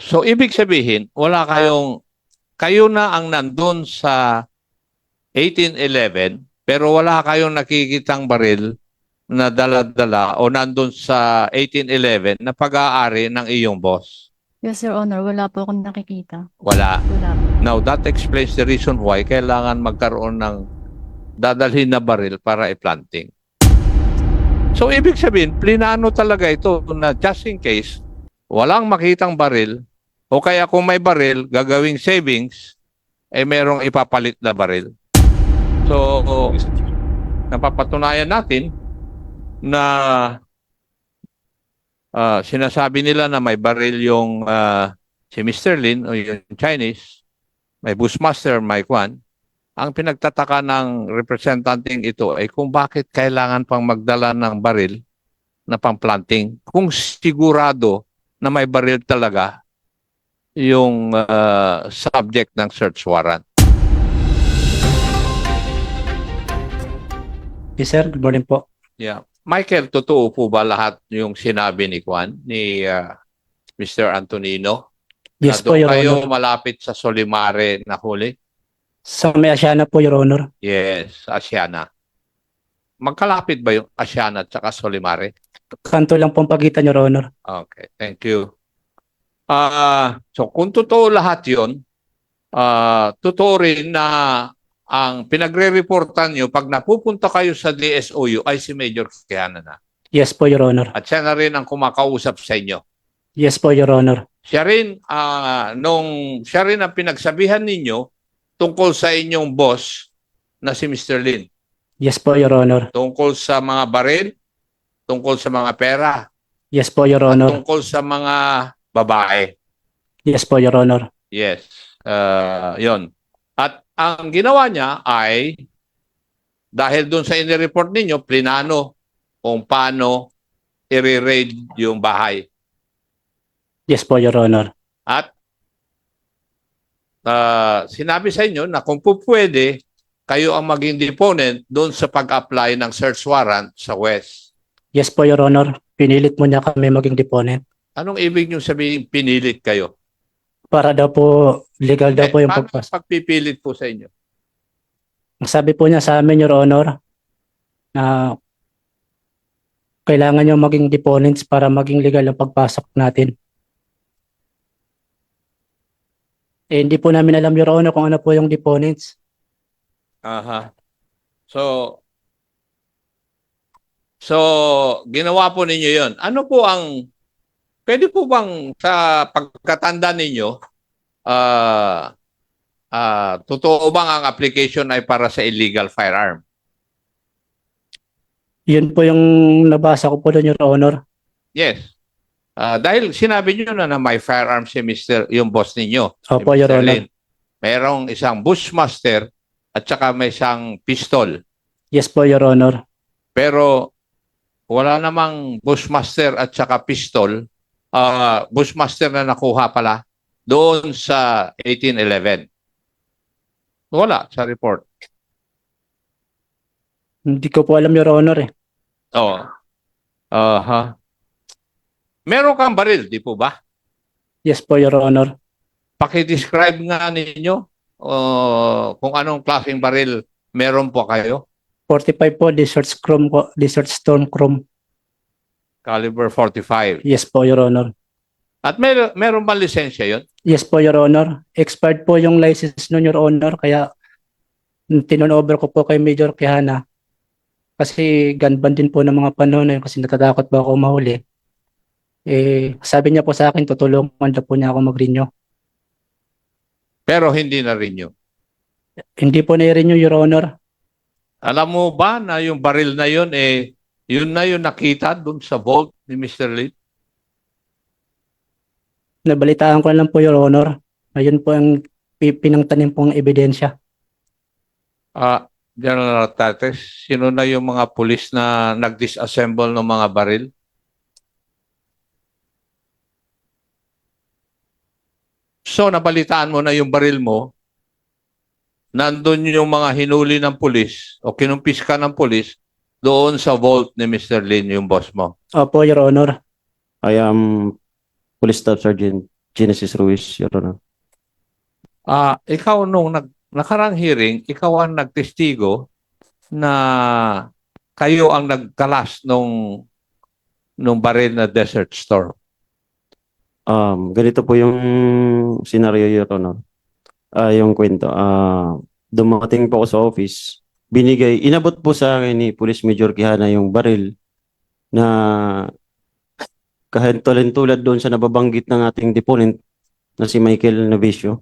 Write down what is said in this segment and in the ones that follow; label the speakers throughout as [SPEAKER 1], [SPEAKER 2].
[SPEAKER 1] So, ibig sabihin, kayo na ang nandun sa 1811, pero wala kayong nakikitang baril na dala-dala o nandun sa 1811 na pag-aari ng iyong boss.
[SPEAKER 2] Yes, Your Honor. Wala po akong nakikita.
[SPEAKER 1] Wala.
[SPEAKER 2] Wala po.
[SPEAKER 1] Now, that explains the reason why kailangan magkaroon ng dadalhin na baril para i-planting. So, ibig sabihin, plinano talaga ito na just in case, walang makitang baril, o kaya kung may baril, gagawing savings, eh merong ipapalit na baril. So, napapatunayan natin na sinasabi nila na may baril yung si Mr. Lin o yung Chinese, may Bushmaster, may Kwan. Ang pinagtataka ng representanting ito ay kung bakit kailangan pang magdala ng baril na pang-planting kung sigurado na may baril talaga yung subject ng search warrant.
[SPEAKER 3] Yes, sir. Good morning po.
[SPEAKER 1] Yeah. Michael, totoo po ba lahat yung sinabi ni Kwan, ni Mr. Antonino?
[SPEAKER 3] Yes
[SPEAKER 1] Na
[SPEAKER 3] po,
[SPEAKER 1] doon
[SPEAKER 3] Your
[SPEAKER 1] kayo
[SPEAKER 3] Honor.
[SPEAKER 1] malapit sa Solimare na huli?
[SPEAKER 3] Sa may Asiana po, Your Honor.
[SPEAKER 1] Yes, Asiana. Magkalapit ba yung Asiana at saka Solimare?
[SPEAKER 3] Kanto lang po ang pagitan, Your Honor.
[SPEAKER 1] Okay, thank you. So kung totoo lahat yun, totoo rin na ang pinagre-reportan nyo pag napupunta kayo sa DSOU ay si Major Quijana na.
[SPEAKER 3] Yes po, Your Honor.
[SPEAKER 1] At siya na rin ang kumakausap sa inyo.
[SPEAKER 3] Yes po, Your Honor.
[SPEAKER 1] Siya rin, siya rin ang pinagsabihan ninyo tungkol sa inyong boss na si Mr. Lin.
[SPEAKER 3] Yes po, Your Honor.
[SPEAKER 1] Tungkol sa mga baril, tungkol sa mga pera,
[SPEAKER 3] Yes po, Your
[SPEAKER 1] at
[SPEAKER 3] Honor.
[SPEAKER 1] tungkol sa mga babae.
[SPEAKER 3] Yes po, Your Honor.
[SPEAKER 1] Yes. Yon. At ang ginawa niya ay, dahil doon sa inireport ninyo, plinano kung paano i-raid yung bahay.
[SPEAKER 3] Yes po, Your Honor.
[SPEAKER 1] At sinabi sa inyo na kung pwede, kayo ang maging deponent doon sa pag-apply ng search warrant sa West.
[SPEAKER 3] Yes po, Your Honor. Pinilit mo niya kami maging deponent.
[SPEAKER 1] Anong ibig nyo sabihin pinilit kayo?
[SPEAKER 3] Para daw po, legal daw po yung
[SPEAKER 1] Paano
[SPEAKER 3] pagpas.
[SPEAKER 1] pagpipilit po sa inyo?
[SPEAKER 3] Ang sabi po niya sa amin, Your Honor, na kailangan niyo maging deponents para maging legal ang pagpasok natin. Eh, hindi po namin alam, Your Honor, kung ano po yung deponents.
[SPEAKER 1] Aha. So, ginawa po ninyo yon. Ano po pwede po bang sa pagkatanda ninyo, totoo bang ang application ay para sa illegal firearm?
[SPEAKER 3] Yun po yung nabasa ko po doon, Your Honor.
[SPEAKER 1] Yes. Dahil sinabi niyo na may firearm si yung boss ninyo.
[SPEAKER 3] Opo,
[SPEAKER 1] si
[SPEAKER 3] Your
[SPEAKER 1] Mr.
[SPEAKER 3] Honor.
[SPEAKER 1] Lin. Merong isang Bushmaster at saka may isang pistol.
[SPEAKER 3] Yes po, Your Honor.
[SPEAKER 1] Pero wala namang Bushmaster at saka pistol. Bushmaster na nakuha pala doon sa 1811. Wala sa report.
[SPEAKER 3] Hindi ko po alam, Your Honor eh.
[SPEAKER 1] Oh. Meron kang baril, di po ba?
[SPEAKER 3] Yes po, Your Honor.
[SPEAKER 1] Paki-describe nga ninyo kung anong klaseng baril meron po kayo.
[SPEAKER 3] 45 po, Desert Storm Chrome.
[SPEAKER 1] Caliber 45.
[SPEAKER 3] Yes po, Your Honor.
[SPEAKER 1] At meron ba lisensya yun?
[SPEAKER 3] Yes po, Your Honor. Expired po yung license nun, Your Honor. Kaya tinunover ko po kay Major Quijana. Kasi gun ban din po ng mga panahon na yun kasi natatakot ba ako mahuli. Eh, sabi niya po sa akin, tutulungan daw po niya ako mag-renew.
[SPEAKER 1] Pero hindi na rin yun.
[SPEAKER 3] Hindi po na-renew, Your Honor.
[SPEAKER 1] Alam mo ba na yung baril na yun, yun na yung nakita dun sa vault ni Mr. Lee?
[SPEAKER 3] Nabalitaan ko na lang po, Your Honor. Ayun po ang pinangtanim pong ebidensya.
[SPEAKER 1] General Tates, sino na yung mga pulis na nag-disassemble ng mga baril? So, nabalitaan mo na yung baril mo, nandun yung mga hinuli ng pulis o kinumpiska ng pulis doon sa vault ni Mr. Lin, yung boss mo.
[SPEAKER 3] Opo, Your Honor.
[SPEAKER 4] I am Police Staff Sergeant Genesis Ruiz, Your Honor.
[SPEAKER 1] Ikaw nung nakarang hearing, ikaw ang nagtestigo na kayo ang nagkalas nung baril na Desert Storm.
[SPEAKER 4] Ganito po yung scenario, Your Honor. Yung kwento. Dumating po ako sa office. Inabot po sa akin ni Police Major Quijana yung baril na kahintulad doon sa nababanggit ng ating deponent na si Michael Navicio.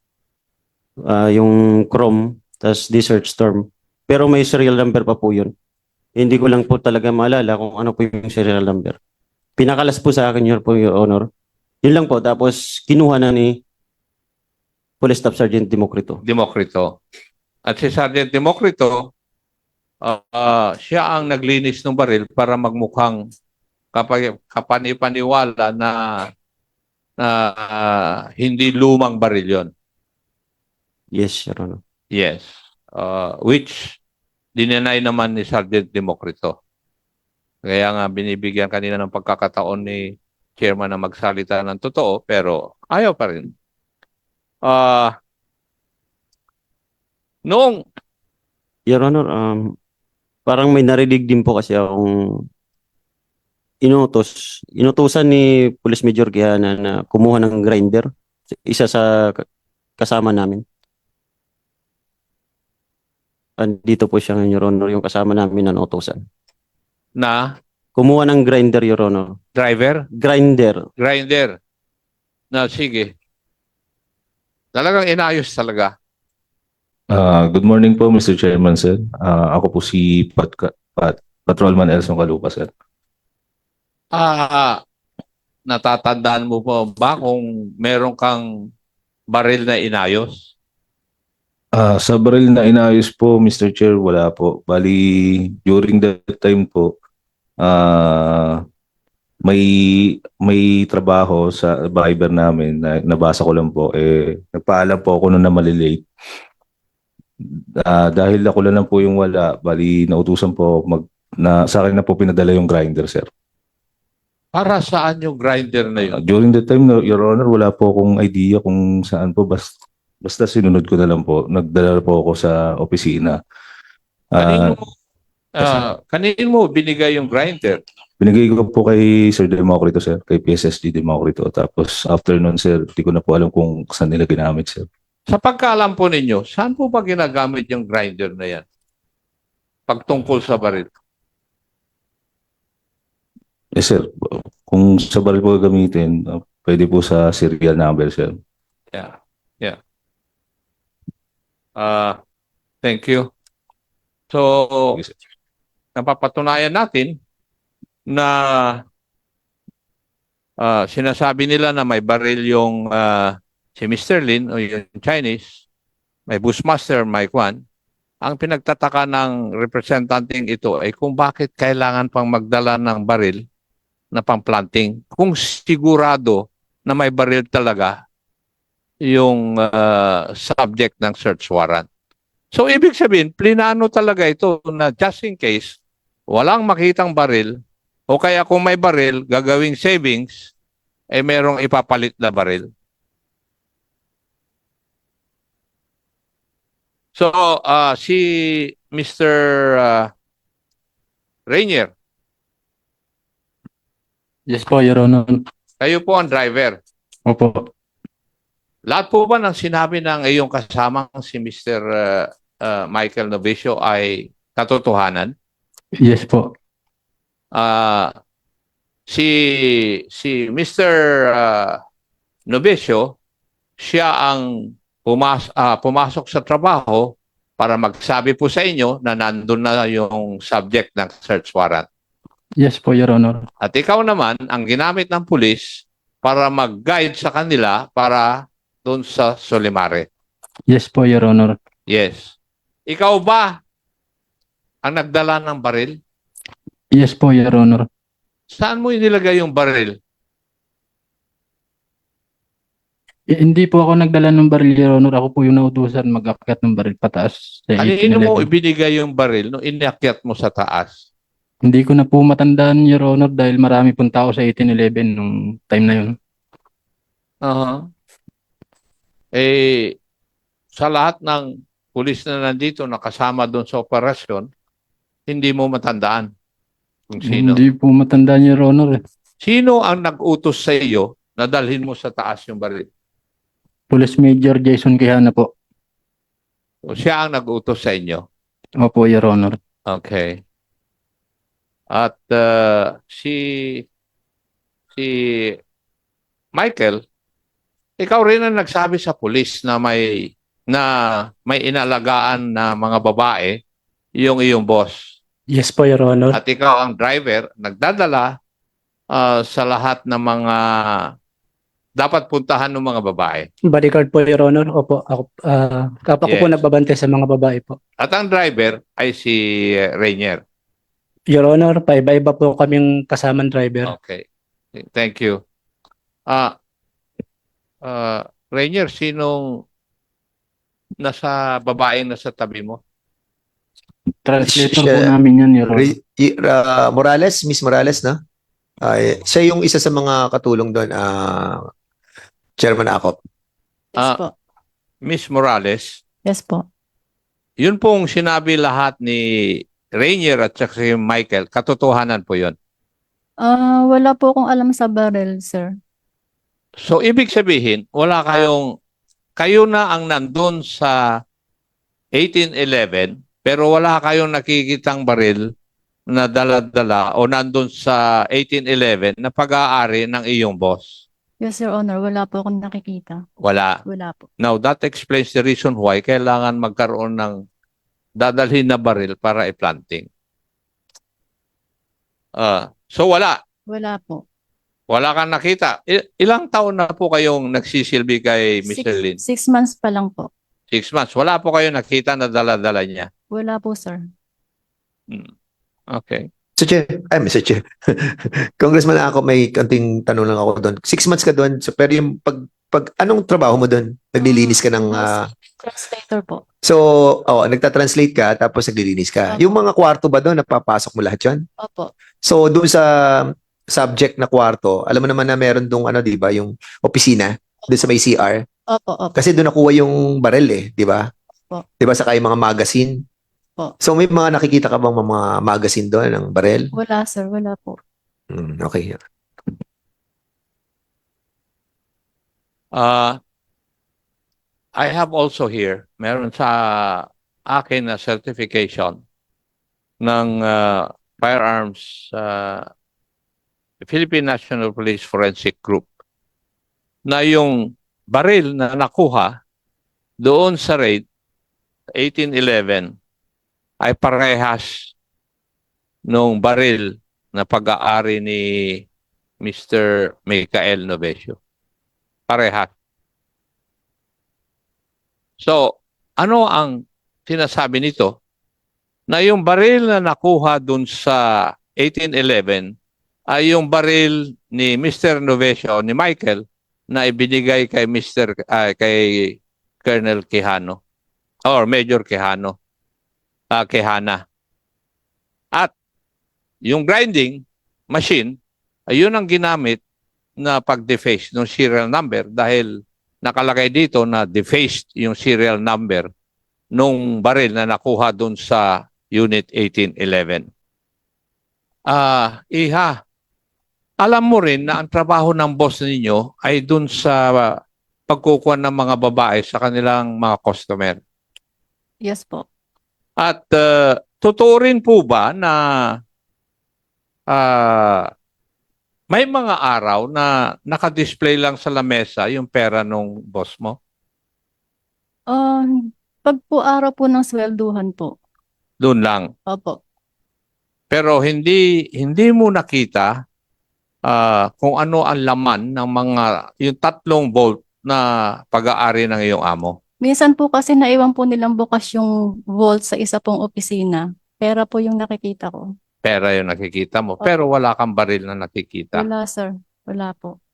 [SPEAKER 4] Yung Chrome, tas Desert Storm. Pero may serial number pa po yun. Hindi ko lang po talaga maalala kung ano po yung serial number. Pinakalas po sa akin yun po, Your Honor. Yun lang po. Tapos kinuha na ni Police Staff Sergeant Democrito.
[SPEAKER 1] Democrito. At si Sergeant Democrito, siya ang naglinis ng baril para magmukhang kapanipaniwala na hindi lumang baril yon.
[SPEAKER 4] Yes, Your Honor.
[SPEAKER 1] Yes. Which dinenay naman ni Sergeant Democrito. Kaya nga binibigyan kanina ng pagkakataon ni chairman na magsalita ng totoo, pero ayaw pa rin. Noong
[SPEAKER 4] Your Honor, parang may narinig din po kasi akong inutusan ni Police Major Quijana na kumuha ng grinder. Isa sa kasama namin. Andito po siya ngayon, Your Honor, yung kasama namin na utusan.
[SPEAKER 1] na
[SPEAKER 4] Kumuha ng grinder, Your Honor.
[SPEAKER 1] driver,
[SPEAKER 4] Grinder.
[SPEAKER 1] grinder, na sige. Talagang inayos talaga.
[SPEAKER 5] Good morning po, Mr. Chairman, sir. Ako po si Patrolman Elson Calupa, sir.
[SPEAKER 1] Natatandaan mo po ba kung meron kang baril na inayos?
[SPEAKER 5] Sa baril na inayos po, Mr. Chair, wala po. Bali, during that time po, may trabaho sa Viber namin na nabasa ko lang po. Nagpaalam po ako noon na malilate. Dahil ako lang po yung wala, bali nautusan po sa akin na po pinadala yung grinder, sir.
[SPEAKER 1] Para saan yung grinder na yun?
[SPEAKER 5] During that time, Your Honor, wala po akong idea kung saan po. Basta sinunod ko na lang po. Nagdala po ako sa opisina.
[SPEAKER 1] Kanino mo binigay yung grinder?
[SPEAKER 5] Binigay ko po kay Sir Democrito, sir. Kay PSSG Democrito. Tapos after nun, sir, di ko na po alam kung saan nila ginamit, sir.
[SPEAKER 1] Sa pagkaalam po ninyo, saan po ba ginagamit yung grinder na yan? Pagtungkol sa baril.
[SPEAKER 5] Sir, kung sa baril po gamitin, pwede po sa serial number, sir.
[SPEAKER 1] Yeah. Yeah. Thank you. So,
[SPEAKER 5] Yes, sir.
[SPEAKER 1] napapatunayan natin na sinasabi nila na may baril yung si Mr. Lin o yung Chinese, may Bushmaster, may Kwan. Ang pinagtataka ng representanting ito ay kung bakit kailangan pang magdala ng baril na pang-planting kung sigurado na may baril talaga yung subject ng search warrant. So, ibig sabihin, plinano talaga ito na just in case walang makitang baril o kaya kung may baril, gagawing savings, merong ipapalit na baril. So, si Mr. Rainier,
[SPEAKER 3] Yes po, Your Honor.
[SPEAKER 1] kayo po ang driver.
[SPEAKER 3] Opo.
[SPEAKER 1] Lahat po ba ng sinabi ng iyong kasamang si Mr. Michael Novicio ay katotohanan?
[SPEAKER 3] Yes po.
[SPEAKER 1] Si Mr. Novicio, siya ang pumasok sa trabaho para magsabi po sa inyo na nandun na yung subject ng search warrant.
[SPEAKER 3] Yes po, Your Honor.
[SPEAKER 1] At ikaw naman ang ginamit ng pulis para mag-guide sa kanila para doon sa Solimare.
[SPEAKER 3] Yes po, Your Honor.
[SPEAKER 1] Yes. Ikaw ba ang nagdala ng baril?
[SPEAKER 3] Yes po, Your Honor.
[SPEAKER 1] Saan mo inilagay yung baril?
[SPEAKER 3] Hindi po ako nagdala ng baril, Your Honor. Ako po yung nautusan mag-akyat ng baril pataas. Sa
[SPEAKER 1] Kanino mo
[SPEAKER 3] 1811.
[SPEAKER 1] ibinigay yung baril nung inakyat mo sa taas?
[SPEAKER 3] Hindi ko na po matandaan, Your Honor, dahil marami pong tao sa 1811 nung time na yun.
[SPEAKER 1] Aha. Eh, sa lahat ng pulis na nandito nakasama doon sa operasyon, hindi mo matandaan kung sino.
[SPEAKER 6] Hindi po matandaan, Your Honor.
[SPEAKER 1] Sino ang nag-utos sa iyo na dalhin mo sa taas yung baril?
[SPEAKER 6] Police Major Jason Quijana po.
[SPEAKER 1] O siya ang nag-utos sa inyo?
[SPEAKER 6] Opo, Your Honor.
[SPEAKER 1] Okay. At si Michael, ikaw rin ang nagsabi sa pulis na may inalagaan na mga babae yung iyong boss.
[SPEAKER 3] Yes po, Your Honor.
[SPEAKER 1] At ikaw ang driver, nagdadala sa lahat ng mga dapat puntahan ng mga babae.
[SPEAKER 3] Bodyguard po, Your Honor. Opo, ako po
[SPEAKER 1] Yes.
[SPEAKER 3] nagbabantay sa mga babae po.
[SPEAKER 1] At ang driver ay si Rainier.
[SPEAKER 3] Your Honor, paiba-iba po kaming kasamang driver.
[SPEAKER 1] Okay. Thank you. Rainier, sinong babaeng nasa tabi mo?
[SPEAKER 6] Translator po
[SPEAKER 7] Siya-
[SPEAKER 6] namin yan, Your Honor.
[SPEAKER 7] Morales, Miss Morales, no? Siya yung isa sa mga katulong doon, Chairman Akop.
[SPEAKER 2] Yes
[SPEAKER 1] Ah.
[SPEAKER 2] po.
[SPEAKER 1] Miss Morales,
[SPEAKER 2] Yes po.
[SPEAKER 1] yun pong sinabi lahat ni Rainier at saka si Michael, katotohanan po yun.
[SPEAKER 2] Wala po akong alam sa barrel, sir.
[SPEAKER 1] So, ibig sabihin, kayo na ang nandun sa 1811, pero wala kayong nakikitang baril na dala-dala o nandun sa 1811 na pag-aari ng iyong boss.
[SPEAKER 2] Yes, Your Honor. Wala po akong nakikita.
[SPEAKER 1] Wala.
[SPEAKER 2] Wala po.
[SPEAKER 1] Now, that explains the reason why kailangan magkaroon ng dadalhin na baril para i-planting. So, wala.
[SPEAKER 2] Wala po.
[SPEAKER 1] Wala kang nakita. Ilang taon na po kayong nagsisilbi kay Mr. Lin?
[SPEAKER 2] 6 months pa lang po.
[SPEAKER 1] 6 months. Wala po kayo nakita na dala-dala niya.
[SPEAKER 2] Wala po, sir.
[SPEAKER 1] Okay.
[SPEAKER 7] Mr. Chair. Congressman Akop, may kanting tanong lang ako doon. 6 months ka doon, so, pero yung anong trabaho mo doon? Naglilinis ka ng...
[SPEAKER 2] Translator po.
[SPEAKER 7] so, nagta-translate ka, tapos naglilinis ka.
[SPEAKER 2] Opo.
[SPEAKER 7] Yung mga kwarto ba doon, napapasok mo lahat yun?
[SPEAKER 2] Opo.
[SPEAKER 7] So, doon sa subject na kwarto, alam mo naman na meron doon, di ba, yung opisina, doon sa may CR.
[SPEAKER 2] Opo, opo.
[SPEAKER 7] Kasi doon nakuha yung barel di ba?
[SPEAKER 2] Opo.
[SPEAKER 7] Di ba, saka yung mga magazine.
[SPEAKER 2] Opo.
[SPEAKER 7] So, may mga nakikita ka bang mga magazine doon ng barel?
[SPEAKER 2] Wala, sir. Wala po.
[SPEAKER 7] Okay.
[SPEAKER 1] I have also here, meron sa akin na certification ng firearms Philippine National Police Forensic Group na yung baril na nakuha doon sa raid 1811 ay parehas nung baril na pag-aari ni Mr. Michael Novesio. Parehas. So, ano ang sinasabi nito? Na yung baril na nakuha dun sa 1811 ay yung baril ni Mr. Novesio, ni Michael, na ibinigay kay kay Colonel Quijano or Major Quijano, Quijana. At yung grinding machine, ay yun ang ginamit na pag-deface ng serial number dahil nakalagay dito na defaced yung serial number nung baril na nakuha dun sa Unit 1811. Iha, alam mo rin na ang trabaho ng boss ninyo ay dun sa pagkukuha ng mga babae sa kanilang mga customer.
[SPEAKER 2] Yes po.
[SPEAKER 1] At totoo rin po ba na may mga araw na nakadisplay lang sa lamesa yung pera nung boss mo?
[SPEAKER 2] Pag po araw po ng swelduhan po.
[SPEAKER 1] Doon lang.
[SPEAKER 2] Opo.
[SPEAKER 1] Pero hindi mo nakita kung ano ang laman ng yung 3 bolt na pag-aari ng iyong amo.
[SPEAKER 2] Minsan po kasi naiwan po nilang bukas yung vault sa isa pong opisina. Pera po yung nakikita ko.
[SPEAKER 1] Pera yung nakikita mo. Pero wala kang baril na nakikita.
[SPEAKER 2] Wala, sir. Wala po.